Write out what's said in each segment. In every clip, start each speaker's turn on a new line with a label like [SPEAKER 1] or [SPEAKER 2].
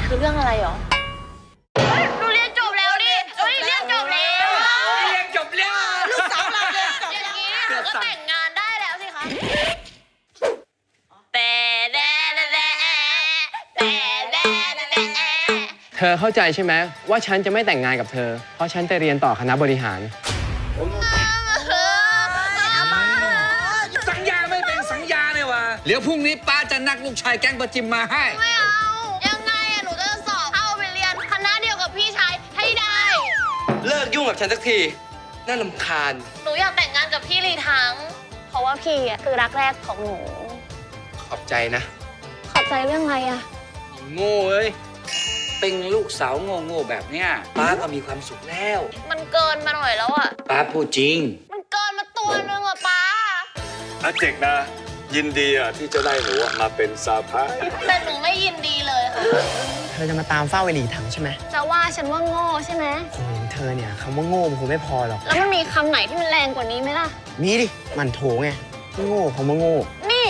[SPEAKER 1] คือเรื่องอะไรหรอหนูเรียนจบแล้วดิเรียนจบแล้ว
[SPEAKER 2] ลูกสาวเราเรียนจบ
[SPEAKER 1] อย่างนี้หนูก็แต่งงานได้แล้วสิคะแต่
[SPEAKER 3] เธอเข้าใจใช่ไหมว่าฉันจะไม่แต่งงานกับเธอเพราะฉันจะเรียนต่อคณะบริหาร
[SPEAKER 4] สัญญาไม่เป็นสัญญาเลยว่ะเดี๋ยวพรุ่งนี้ป้าจะนัดลูกชายแก๊งประจิมมาให้
[SPEAKER 1] ไม่เอายังไงอะหนูจะสอบเข้าไปเรียนคณะเดียวกับพี่ชายให้ได้
[SPEAKER 5] เลิกยุ่งกับฉันสักทีน่ารำคาญ
[SPEAKER 1] หนูอยากแต่งงานกับพี่ลีทั้งเพราะว่าพี่อะคือรักแรกของหนู
[SPEAKER 5] ขอบใจนะ
[SPEAKER 1] ขอบใจเรื่องอะไรอะ
[SPEAKER 4] โง่เอ้ยเป็นลูกสาวโง่ๆแบบเนี้ยป้าก็มีความสุขแล้ว
[SPEAKER 1] มันเกินมาหน่อยแล้วอะ
[SPEAKER 4] ป้าพูดจริง
[SPEAKER 1] มันเกินมาตัวนึงอะป้า
[SPEAKER 6] อาเจกนะยินดีที่จะได้หนูมาเป็นสะพ้าย
[SPEAKER 1] แต่หนูไม่ยินดีเลยค่ะ
[SPEAKER 3] เธอจะมาตามเฝ้าไอหลีถังใช่ไหม
[SPEAKER 1] จะว่าฉันว่าโง่ใช่ไหม
[SPEAKER 3] โอ้ยเธอเนี่ยคำว่าโง่มันคงไม่พอหรอก
[SPEAKER 1] แล้วมันมีคำไหนที่มันแรงกว่านี้ไหมล่ะ
[SPEAKER 3] มีดิมันโถไงโง่คำว่าโง่
[SPEAKER 1] นี่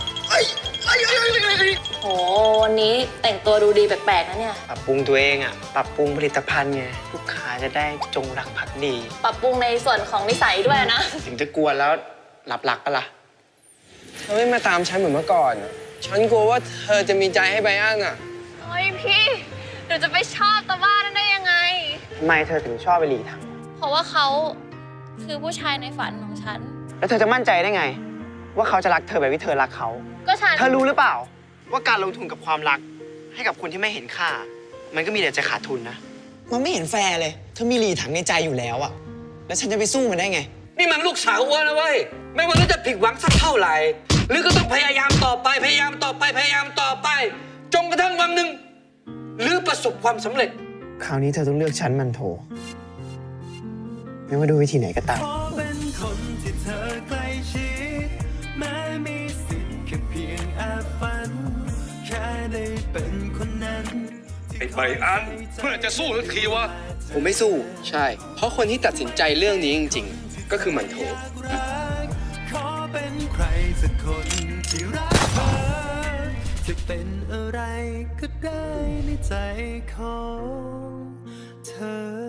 [SPEAKER 1] โหวันนี้แต่งตัวดูดีแปลกๆนะเนี่ย
[SPEAKER 3] ปรับปรุงตัวเองปรับปรุงผลิตภัณฑ์ไงลูกค้าจะได้จงรักภักดี
[SPEAKER 1] ปรับปรุงในส่วนของนิสัยด้วยนะ
[SPEAKER 3] ถึงจะกวนแล้วหลับปะล่ะเธอไม่มาตามฉันเหมือนเมื่อก่อนฉันกลัวว่าเธอจะมีใจให้ไบอัน
[SPEAKER 1] เฮ้ยพี่หนูจะไปชอบตาบ้านั้นได้ยังไง
[SPEAKER 3] ทำไมเธอถึงชอบไอหลีถัง
[SPEAKER 1] เพราะว่าเขาคือผู้ชายในฝันของฉัน
[SPEAKER 3] แล้วเธอจะมั่นใจได้ไงว่าเขาจะรักเธอแบบที่เธอรักเขา
[SPEAKER 1] ก็ฉัน
[SPEAKER 3] เธอรู้หรือเปล่าว่าการลงทุนกับความรักให้กับคนที่ไม่เห็นค่ามันก็มีแต่จะขาดทุนนะมันไม่เห็นแฟร์เลยเธอมีหลีถังในใจอยู่แล้วแล้วฉันจะไปสู้มันได้ไง
[SPEAKER 4] นี่มันลูกสาวอ้วนนะเว้ยไม่ว่าจะผิดหวังสักเท่าไหร่หรือก็ต้องพยายามต่อไปจนกระทั่งวันหนึ่งหรือประสบความสำเร็จ
[SPEAKER 3] คราวนี้เธอต้องเลือกฉันมันโถไม่ว่าดูวิธีไหนก็ตาม
[SPEAKER 6] ไอ้ใบอันเมื่อจะสู้สักทีวะ
[SPEAKER 5] ผมไม่สู้ใช่เพราะคนที่ตัดสินใจเรื่องนี้จริงๆก็คือมันโถขอเป็นใครสักคนที่รักเธอจะเป็นอะไรก็ได้ในใจของเธอ